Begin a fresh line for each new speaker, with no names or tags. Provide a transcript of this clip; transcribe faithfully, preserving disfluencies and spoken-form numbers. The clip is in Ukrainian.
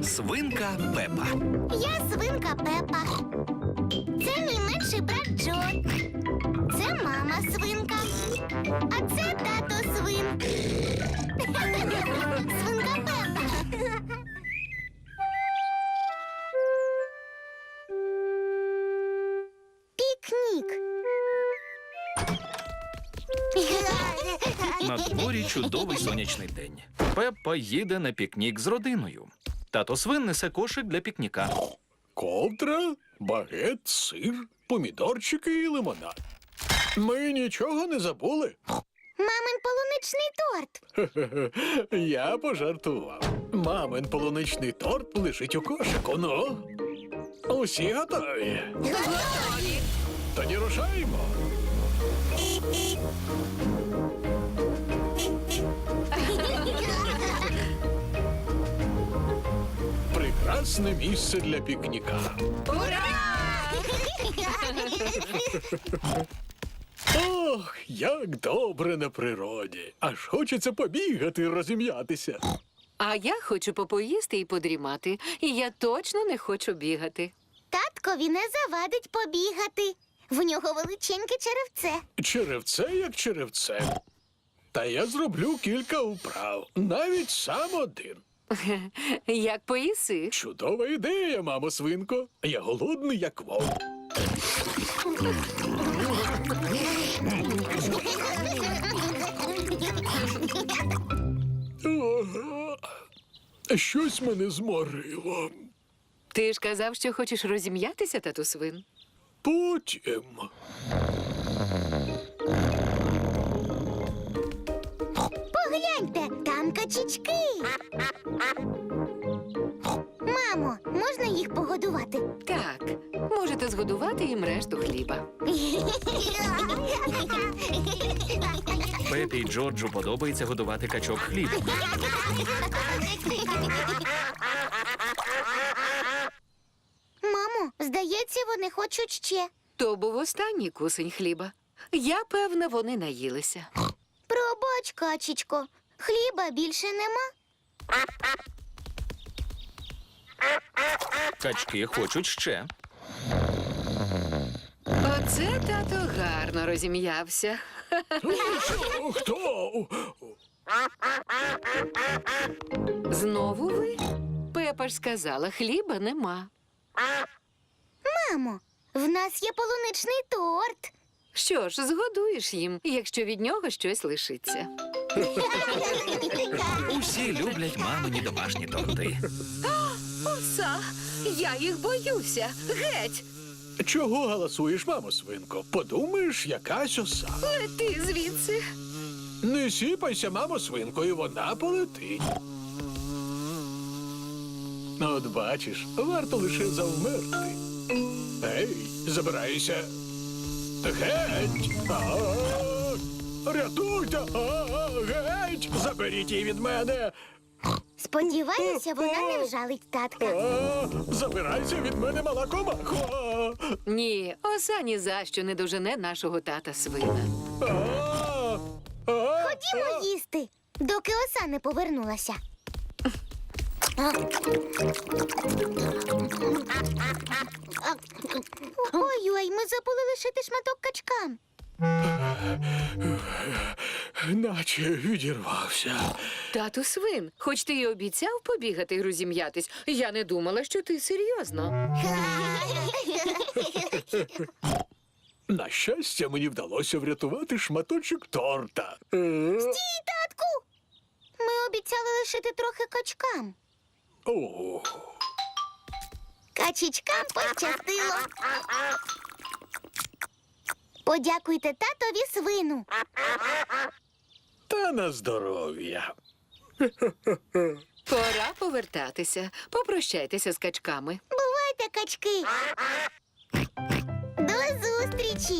Свинка Пепа.
Я свинка Пепа. Це мій менший брат Джо. Це мама свинка. А це тато свин. Свинка Пепа. Пікнік.
На дворі чудовий сонячний день. Пепа їде на пікнік з родиною. Тато свин несе кошик для пікніка.
Ковдра, багет, сир, помідорчики і лимонад. Ми нічого не забули.
Мамин полуничний торт.
Я пожартував. Мамин полуничний торт лежить у кошику. Ну, усі готові?
Готові.
Тоді рушаємо. Прекрасне місце для пікніка.
Ура!
Ох, як добре на природі. Аж хочеться побігати і розім'ятися.
А я хочу попоїсти і подрімати. І я точно не хочу бігати.
Таткові не завадить побігати. В нього величеньке черевце.
Черевце як черевце. Та я зроблю кілька вправ, навіть сам один.
Як поїси?
Чудова ідея, мамо свинко. Я голодний, як вовк. Ого. Щось мене зморило.
Ти ж казав, що хочеш розім'ятися, тату свин?
Потім.
Погляньте, там качечки. Мамо, можна їх погодувати?
Так, можете згодувати їм решту хліба.
Пепі й Джорджу подобається годувати качок хлібом.
Мамо, здається, вони хочуть ще.
То був останній кусень хліба. Я певна, вони наїлися.
Пробач, качечко, хліба більше нема.
Качки хочуть ще.
Оце тато гарно розім'явся.
Що? Хто?
Знову ви? Пепа ж сказала, хліба нема.
Мамо, в нас є полуничний торт.
Що ж, згодуєш їм, якщо від нього щось лишиться.
Усі люблять мамині домашні торти.
Оса, я їх боюся. Геть!
Чого галасуєш, мамо свинко? Подумаєш, якась оса.
Лети звідси.
Не сіпайся, мамо свинко, і вона полетить. От бачиш, варто лише завмерти. Ей, забирайся. Геть! А-а-а! Рятуйте! А-а-а! Геть! Заберіть її від мене!
Сподіваюся, вона не вжалить татка.
А, забирайся від мене, мала комахо! А,
Ні, оса ні за що не дожене нашого тата свина.
а, а,
Ходімо їсти, доки оса не повернулася. Ой-ой, ми забули лишити шматок качкам.
наче відірвався.
Тату свин, хоч ти й обіцяв побігати і розім'ятись, я не думала, що ти серйозно.
На щастя, мені вдалося врятувати шматочок торта. Е,
Стій, татку! Ми обіцяли лишити трохи качкам.
О,
Качечкам пощастило. Подякуйте татові свину.
та на здоров'я.
Пора повертатися. Попрощайтеся з качками.
Бувайте, качки. До зустрічі.